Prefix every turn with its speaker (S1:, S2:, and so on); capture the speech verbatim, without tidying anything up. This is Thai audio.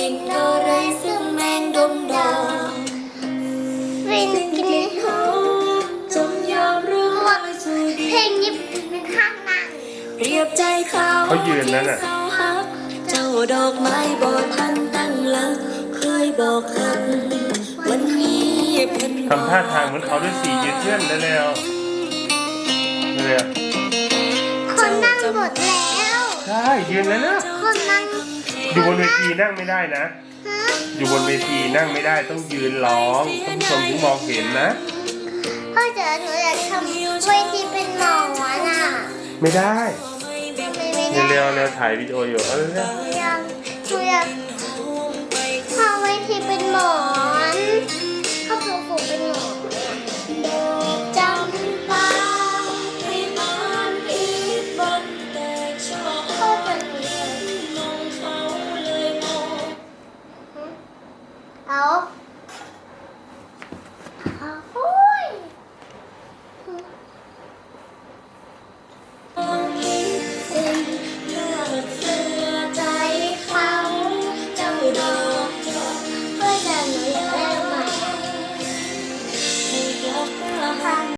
S1: ลิ่นอะไรซึ่งแมงดมดองเป็นกลิ่นหอมจงยอมรู้ว่าสุดเพลงนี้เป็นข้างนั่งเปรียบใจเขาเขายืนนั่นน่ะเจ้าดอกไม้บอทันตั้งหลักเคยบอกกันวันนี้เป็นทำท่าทางเหมือนเขาด้วยสียืดเยื้อนแล้วแล้วเนี่ยคนนั่งหมดแล้วใช่ยืนแล้วนะคนนั่งอยู่บนเวทีนั่งไม่ได้นะอยู่บนเวทีนั่งไม่ได้ต้องยืนร้องท่านผู้ชมถึงมองเห็นนะพ่อเจ๋อหนูอยากทำเวทีเป็นหมอน่ะไม่ได้เร็วๆเร็วถ่ายวิดีโออยู่เออยังหนูอยากทำเวทีเป็นหมอ